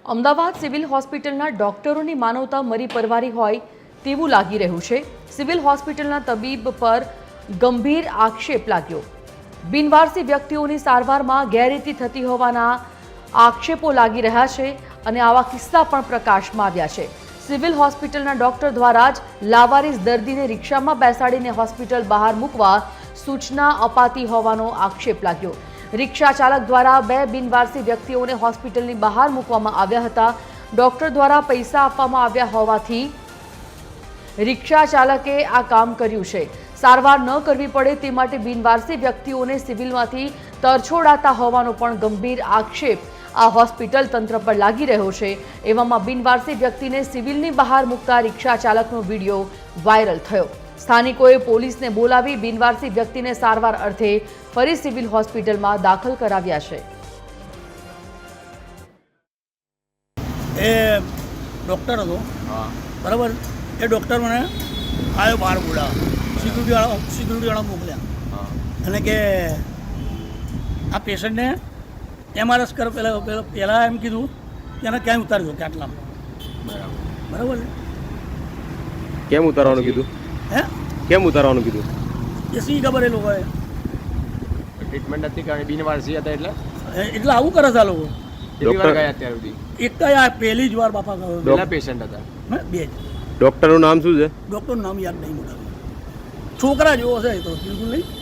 Ahmedabad civil હોસ્પિટલના ડોક્ટરોની માનવતા મરી પરવારી હોય તેવું લાગી રહ્યું છે। સિવિલ હોસ્પિટલના તબીબ પર ગંભીર આક્ષેપ લાગ્યો। બિનવારસી વ્યક્તિઓની સારવારમાં ગેરરીતિ થતી હોવાના આક્ષેપો લાગી રહ્યા છે અને આવા કિસ્સા પણ પ્રકાશમાં આવ્યા છે। સિવિલ હોસ્પિટલના ડોક્ટર દ્વારા જ લાવારીસ દર્દીને રિક્ષામાં બેસાડીને હોસ્પિટલ બહાર મૂકવા સૂચના અપાતી હોવાનો આક્ષેપ લાગ્યો। રિક્ષા ચાલક દ્વારા 2 બિનવારસી વ્યક્તિઓને હોસ્પિટલની બહાર મૂકવામાં આવ્યા હતા। ડોક્ટર દ્વારા પૈસા આપવામાં આવ્યા હોવાથી રિક્ષા ચાલકે આ કામ કર્યું છે। સારવાર ન કરવી પડે તે માટે બિનવારસી વ્યક્તિઓને સિવિલમાંથી તરછોડાતા હોવાનો પણ ગંભીર આક્ષેપ આ હોસ્પિટલ તંત્ર પર લાગી રહ્યો છે। એવામાં બિનવારસી વ્યક્તિને સિવિલની બહાર મૂકતા રિક્ષા ચાલકનો વિડીયો વાયરલ થયો। સ્થાનિકોએ પોલીસને બોલાવી બિનવારસી વ્યક્તિને સારવાર અર્થે ફરી સિવિલ હોસ્પિટલમાં દાખલ કરાવ્યા છે। એ ડૉક્ટર હતો બરાબર। એ ડૉક્ટર મને આવ્યો બહાર બોલાવા, સિક્યુરિટીવાળા મોકલ્યા અને કે આ પેશન્ટને MRS કર પહેલાં એમ કીધું કે એને ક્યાંય ઉતારી દો કે આટલામાં બરાબર છે। કેમ ઉતારવાનું કીધું? કેમ ઉતારવાનું કીધું? એ સી ખબર એ લોકોએ ટ્રીટમેન્ટ નથી કરવાની, બિનવારસી હતા એટલે આવું કરે છે આ લોકો। કેટલી વાર ગયા અત્યાર સુધી? એક જ આ પહેલી જ વાર બાપા ગયો, કેટલા પેશન્ટ હતા? 2 જ। ડૉક્ટરનું નામ શું છે? ડૉક્ટરનું નામ યાદ નહીં મોટા, છોકરા જેવો છે તો બિલકુલ નહીં।